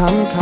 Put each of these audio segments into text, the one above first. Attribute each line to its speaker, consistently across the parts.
Speaker 1: ำค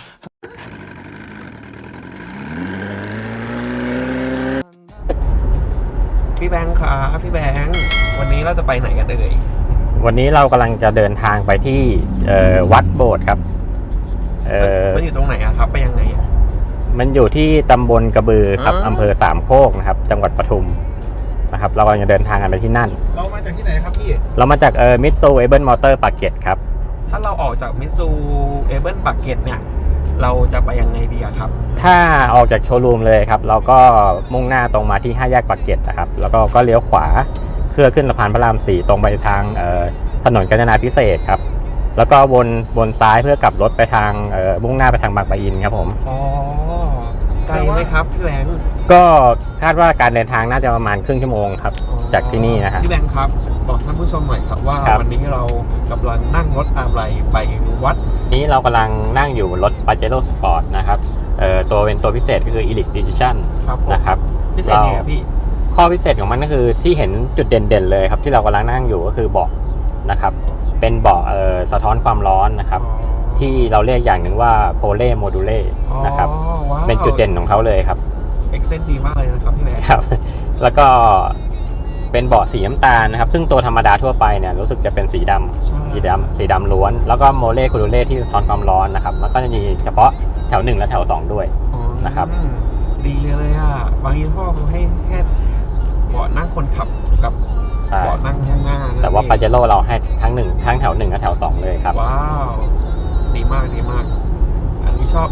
Speaker 2: พี่แบงค์ครับพี่แบงค์วันนี้เราจะไปไหนกันเอ่ย
Speaker 3: วันนี้เรากำลังจะเดินทางไปที่วัดโบสถ์ครับ
Speaker 2: มันอยู่ตรงไหนอะครับไปยังไงอะ
Speaker 3: มันอยู่ที่ตำบลกระบือครับอำเภอสามโคกนะครับจังหวัดปทุมนะครับเรากำลังจะเดินทางกันไปที่นั่น
Speaker 2: เรามาจากที่ไหนครับพี่
Speaker 3: เรามาจากมิตซูเอเบิลมอเตอร์ปากเกร็ดครับ
Speaker 2: ถ้าเราออกจากมิตซูเอเบิลปากเกร็ดเนี่ยเราจะไปยังไงดีอะครับ
Speaker 3: ถ้าออกจากโชว์รูมเลยครับเราก็มุ่งหน้าตรงมาที่5 แยกปากเกร็ดนะครับแล้วก็เลี้ยวขวาเพื่อขึ้นสะพานพระราม4ตรงไปทางถนนกาญจนาภิเษกครับแล้วก็วนซ้ายเพื่อกลับรถไปทางมุ่งหน้าไปทางบางปะอินครับผม
Speaker 2: อ๋อไกลไหมครับพี่แบงค์
Speaker 3: ก็คาดว่าการเดินทางน่าจะประมาณครึ่งชั่วโมงครับจากที่นี่นะครับ
Speaker 2: พี่แบงค์ครับบอกท่านผู้ชมหน่อยครับว่าวันนี้เรากำลังนั่งรถอะไรไปวัด
Speaker 3: นี้เรากำลังนั่งอยู่รถ Pajero Sport นะครับเป็นตัวพิเศษก็คือ Elite Edition นะครับ
Speaker 2: พิเศษไงพี่
Speaker 3: ข้อพิเศษของมันก็คือที่เห็นจุดเด่นๆเลยครับที่เรากำลังนั่งอยู่ก็คือเบาะนะครับเป็นเบาะสะท้อนความร้อนนะครับที่เราเรียกอย่างหนึ่งว่าโคเล่โมดูเล่นะครับเป็นจุดเด่นของเขาเลยครับ
Speaker 2: เอ็กเซนต์ดีมากเลยนะครับพี่แบงค์
Speaker 3: ครับแล้วก็เป็นเบาะสีน้ำตาลนะครับซึ่งตัวธรรมดาทั่วไปเนี่ยรู้สึกจะเป็นสีดำล้วนแล้วก็โมเล่โคดูเล่ที่สะท้อนความร้อนนะครับแล้วก็จะมีเฉพาะแถว1และแถว2ด้วยนะครับ
Speaker 2: ดีเลยอ่ะบางยี่ห้อเขาให้แค่เบาะนั่งคนขับกับเบาะนั่งข้างหน้า
Speaker 3: แต่ว่า Pajero เราให้ทั้งแถว1และแถว2เลยครับ
Speaker 2: ว้าวดีมากอันนี้ชอบ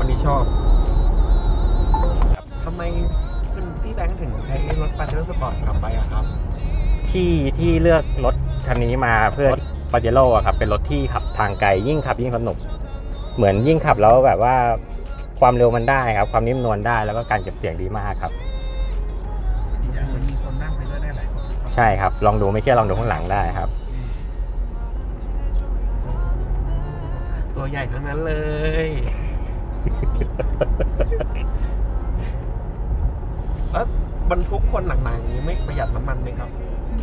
Speaker 2: ทำไมคุณพี่แบงค์ถึงใช้รถ Pajero Sport ขับไปอะครับ
Speaker 3: ที่เลือกรถคันนี้มาเพื่อ Pajero อะครับเป็นรถที่ขับทางไกลยิ่งขับยิ่งสนุกเหมือนยิ่งขับแล้วแบบว่าความเร็วมันได้ครับความนิ่มนวลได้แล้วก็การเก็บเสียงดีมากครับ
Speaker 2: อีกอย่างมันมีคนนั่งไปด้วยได้หลายคน
Speaker 3: ใช่ครับลองดูไม่เชื่อลองดูข้างหลังได้ครับ
Speaker 2: ตัวใหญ่ทั้งนั้นเลย แล้วบรรทุกคนหนักๆนี้ไม่ประหยัดน้ำมันไหมครับ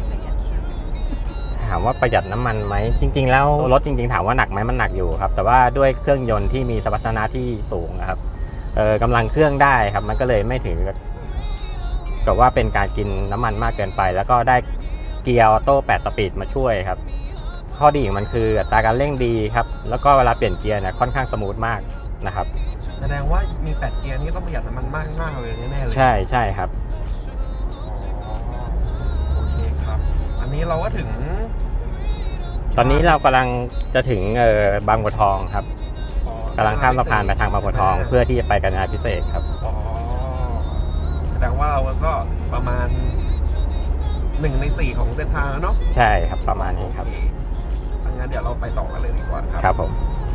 Speaker 3: ถามว่าประหยัดน้ำมันไหมจริงๆแล้วรถจริงๆถามว่าหนักไหมมันหนักอยู่ครับแต่ว่าด้วยเครื่องยนต์ที่มีสมรรถนะที่สูงนะครับกำลังเครื่องได้ครับมันก็เลยไม่ถึงกับว่าเป็นการกินน้ำมันมากเกินไปแล้วก็ได้เกียร์ออโต้8 สปีดมาช่วยครับข้อดีของมันคืออัตราการเร่งดีครับแล้วก็เวลาเปลี่ยนเกียร์เนี่ยค่อนข้างสมูทมากนะครับ
Speaker 2: แสดงว่ามี8 เกียร์นี้ต้องประหยัดน้ำมันมากเลยแน่ๆเลย
Speaker 3: ใช่ครับ
Speaker 2: โอเคครับอันนี้เราก็ถึง
Speaker 3: ตอนนี้เรากำลังจะถึงบางบัวทองครับกำลังข้ามสะพานไปทางบางบัวทองเพื่อที่จะไปกาญจนาภิเษกครับ
Speaker 2: แสดงว่าเราก็ประมาณ1 ใน 4ของเส้นทางแล้วเนาะ
Speaker 3: ใช่ครับประมาณนี้ครับ
Speaker 2: งั้นเดี๋ยวเราไปต่อกันเลยดีกว่าครับ
Speaker 3: ครับผม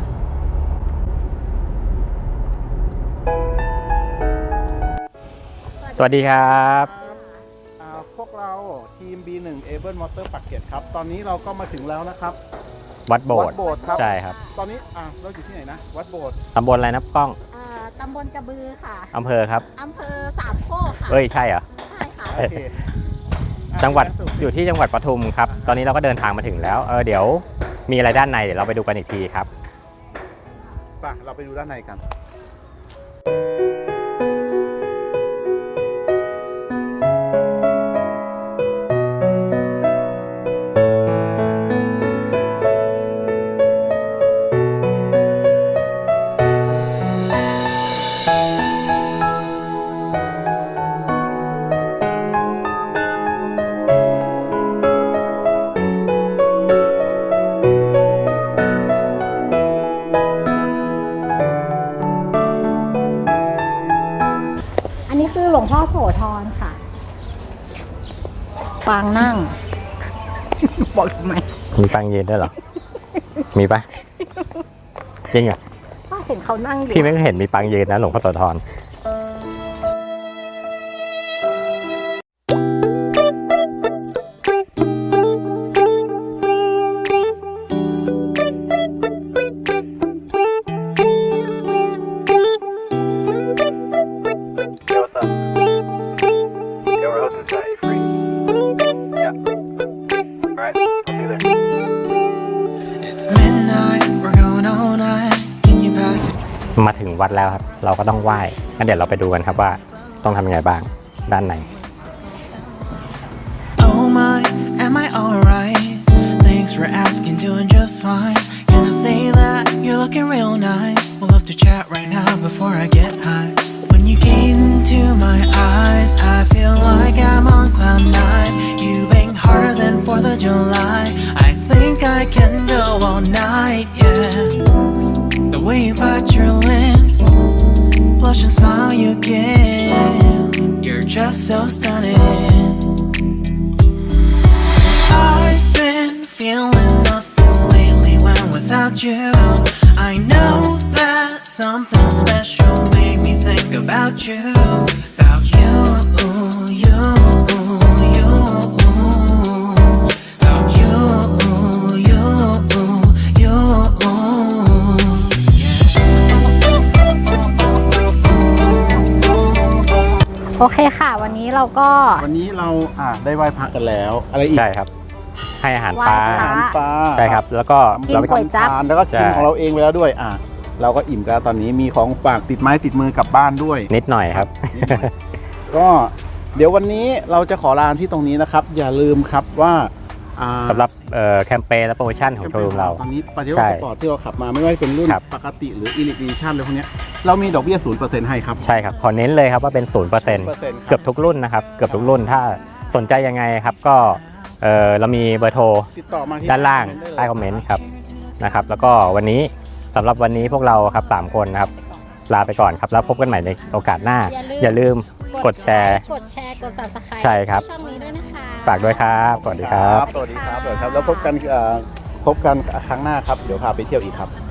Speaker 3: สวัสดีครับ
Speaker 4: พวกเราทีม B1 Able Motor ปากเกร็ดครับตอนนี้เราก็มาถึงแล้วนะครับ
Speaker 3: วัดโบสถ์
Speaker 4: ครับ
Speaker 3: ใช่ครับ
Speaker 4: ตอนนี้เราอยู่ที่ไหนนะวัดโบสถ์
Speaker 3: ตำบลอะไรนะกล้อง
Speaker 5: ตำบลกระบือค่ะ
Speaker 3: อำเภอครับ
Speaker 5: อำเภอสามโคกค่ะ
Speaker 3: ใช่เหรอ
Speaker 5: ใช่ค่ะ
Speaker 3: จังหวัดอยู่ที่จังหวัดปทุมครับตอนนี้เราก็เดินทางมาถึงแล้วเดี๋ยวมีอะไรด้านในเดี๋ยวเราไปดูกันอีกทีครับ
Speaker 4: ไปเราไปดูด้านในกัน
Speaker 5: หลวงพ่อโสธรค่ะปางนั่งบอกทำไม
Speaker 3: มีปางยืนด้วยเหรอมีปะจริงเหรอ
Speaker 5: เห็นเขานั่งอยู่
Speaker 3: พี่ไม่เห็นมีปางยืนนะหลวงพ่อโสธร
Speaker 1: It's midnight, we're going all night. Can you pass it?
Speaker 3: วัดแล้วครับเราก็ต้องไหว้งั้นเดี๋ยวเราไปดูกันครับว่าต้องทำยังไงบ้างด้านใน
Speaker 1: Oh my, am I alright? Thanks for asking, doing just fine. Can I say that you're looking real nice? We'll love to chat right now before I get high. When you gaze into my eyes, I feel like I'm on cloud nine. You bang harder than 4th of July. I think I can go all night, yeah. The way you bite your lips, blush and smile you give, you're just so stunning. I've been feeling nothing lately when without you. I know that something special made me think about you, about you, you, you, about you, you, you.
Speaker 5: โอเคค่ะ วันนี้เราก็
Speaker 4: วันนี้เราได้ไหว้พระกันแล้ว อะไรอีก
Speaker 3: ใช่ครับ ให้อาหารปลา
Speaker 5: ไหว้พระ
Speaker 4: อาหารปลา
Speaker 3: ใช่ครับแล้วก็
Speaker 5: กิน
Speaker 3: เราไป
Speaker 5: ก๋วยจั๊บ
Speaker 4: ทานแล้วก็กิน
Speaker 3: ใช่
Speaker 4: ของเราเองไปแล้วด้วยเราก็อิ่มกันตอนนี้มีของฝากติดไม้ติดมือกลับบ้านด้วย
Speaker 3: นิดหน่อยครับ
Speaker 4: นิดหน่อย ก็เดี๋ยววันนี้เราจะขอลาที่ตรงนี้นะครับ อย่าลืมครับว่า
Speaker 3: สำหรับแคมเปญและโปรโมชั่นของโชว์รูมเรา
Speaker 4: ตอนนี้ปาเจโร่
Speaker 3: ใช่
Speaker 4: สปอร์ตที่เราขับมาไม่ว่าจะเป็นรุ่น
Speaker 3: ครับ
Speaker 4: ปกติหรืออิลิดิชั่นอะไรพวกเนี้ยเรามีดอกเบี้ย 0% ให้ครับ
Speaker 3: ใช่ครับขอเน้นเลยครับว่าเป็น 0%
Speaker 4: 0%
Speaker 3: เกือบทุกรุ่นนะครับเกือบทุกรุ่นถ้าสนใจยังไงครับก็เรามีเบอร์โทร
Speaker 4: ติดต่อมาที่
Speaker 3: ด้านล่าง
Speaker 4: ได้เลย
Speaker 3: ใต้คอมเมนต์ครับนะครับ แล้วก็วันนี้สำหรับวันนี้พวกเราครับ3คนนะครับลาไปก่อนครับแล้วพบกันใหม่ในโอกาสหน้า อย่าลืมกดแชร์
Speaker 5: กดแชร์ กด subscribe
Speaker 3: ใช่ครับ
Speaker 5: ช่องนี้ด้วยนะคะ
Speaker 3: ฝากด้วยครับสวัสดีครับ
Speaker 4: สวัสดีครับแล้วพบกันครั้งหน้าครับเดี๋ยวพาไปเที่ยวอีกครับ